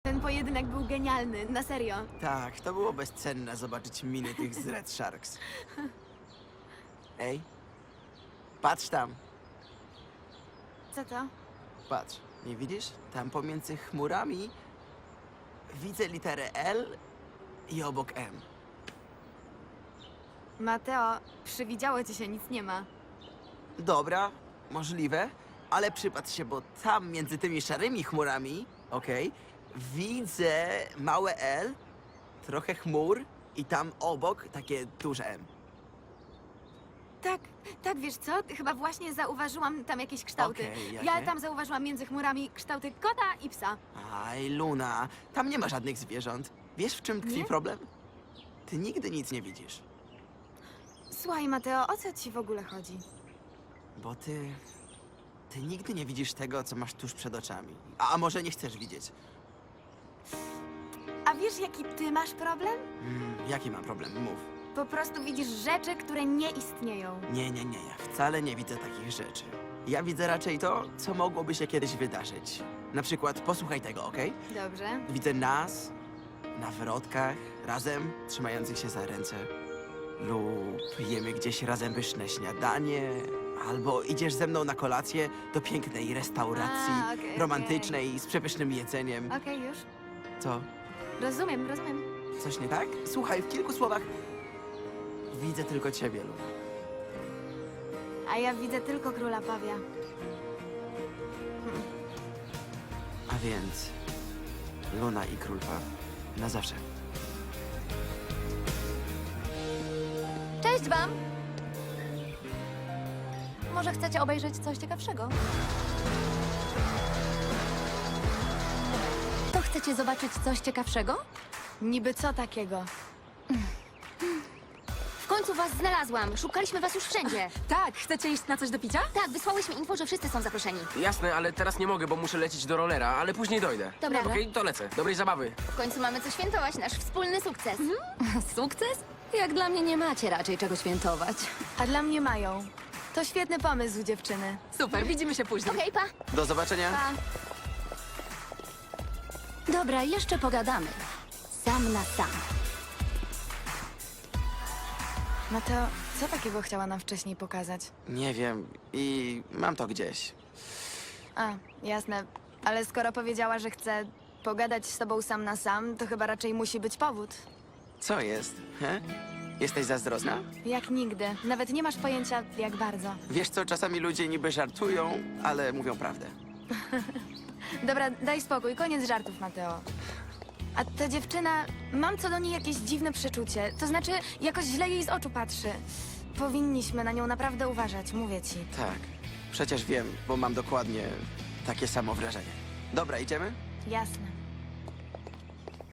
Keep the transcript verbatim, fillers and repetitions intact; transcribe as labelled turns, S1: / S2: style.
S1: Ten pojedynek był genialny, na serio.
S2: Tak, to było bezcenne zobaczyć miny tych z Red Sharks. Ej, patrz tam,
S1: Co to?
S2: patrz. Nie widzisz? Tam pomiędzy chmurami widzę literę L i obok M.
S1: Mateo, przywidziało ci się, nic nie ma.
S2: Dobra, możliwe, ale przypatrz się, bo tam między tymi szarymi chmurami, okej, widzę małe L, trochę chmur i tam obok takie duże M.
S1: Tak, tak, wiesz co? Chyba właśnie zauważyłam tam jakieś kształty.
S2: Okej, jakie?
S1: Ja tam zauważyłam między chmurami kształty kota i psa.
S2: Aj, Luna, tam nie ma żadnych zwierząt. Wiesz, w czym tkwi
S1: Nie?
S2: problem? Ty nigdy nic nie widzisz,
S1: Słuchaj, Mateo, o co ci w ogóle chodzi?
S2: bo ty... Ty nigdy nie widzisz tego, co masz tuż przed oczami. A, a może nie chcesz widzieć?
S1: A wiesz, jaki ty masz problem?
S2: Mm, jaki mam problem? Mów.
S1: Po prostu widzisz rzeczy, które nie istnieją.
S2: Nie, nie, nie, ja wcale nie widzę takich rzeczy. Ja widzę raczej to, co mogłoby się kiedyś wydarzyć. Na przykład, posłuchaj tego, okej?
S1: Dobrze.
S2: Widzę nas na wrotkach, razem, trzymających się za ręce. Lub jemy gdzieś razem pyszne śniadanie. Albo idziesz ze mną na kolację do pięknej restauracji,
S1: A, okej,
S2: romantycznej, z przepysznym jedzeniem.
S1: Okej, już.
S2: Co?
S1: Rozumiem, rozumiem.
S2: Coś nie tak? Słuchaj, w kilku słowach widzę tylko ciebie, Luna.
S1: A ja widzę tylko króla pawia.
S2: A więc Luna i Król Paw na zawsze.
S3: Cześć wam! Może chcecie obejrzeć coś ciekawszego? To chcecie zobaczyć coś ciekawszego?
S1: Niby co takiego?
S3: W końcu was znalazłam. Szukaliśmy was już wszędzie.
S4: Tak, chcecie iść na coś do picia?
S3: Tak, wysłałyśmy info, że wszyscy są zaproszeni.
S5: Jasne, ale teraz nie mogę, bo muszę lecieć do rollera, ale później dojdę.
S3: Dobra.
S5: Okej, to lecę. Dobrej zabawy.
S3: W końcu mamy co świętować, nasz wspólny sukces.
S4: Sukces? Jak dla mnie nie macie raczej czego świętować.
S1: A dla mnie mają. To świetny pomysł, dziewczyny.
S4: Super, widzimy się później.
S3: Okej, pa.
S2: Do zobaczenia.
S1: Pa.
S4: Dobra, jeszcze pogadamy. Sam na sam.
S1: Mateo, co takiego chciała nam wcześniej pokazać?
S2: Nie wiem i mam to gdzieś.
S1: A, jasne. Ale skoro powiedziała, że chce pogadać z tobą sam na sam, to chyba raczej musi być powód.
S2: Co jest? He? Jesteś zazdrosna?
S1: Jak nigdy. Nawet nie masz pojęcia, jak bardzo.
S2: Wiesz co, czasami ludzie niby żartują, ale mówią prawdę.
S1: Dobra, daj spokój, koniec żartów, Mateo. A ta dziewczyna, mam co do niej jakieś dziwne przeczucie. To znaczy, jakoś źle jej z oczu patrzy. Powinniśmy na nią naprawdę uważać, mówię ci.
S2: Tak, przecież wiem, bo mam dokładnie takie samo wrażenie. Dobra, idziemy?
S1: Jasne.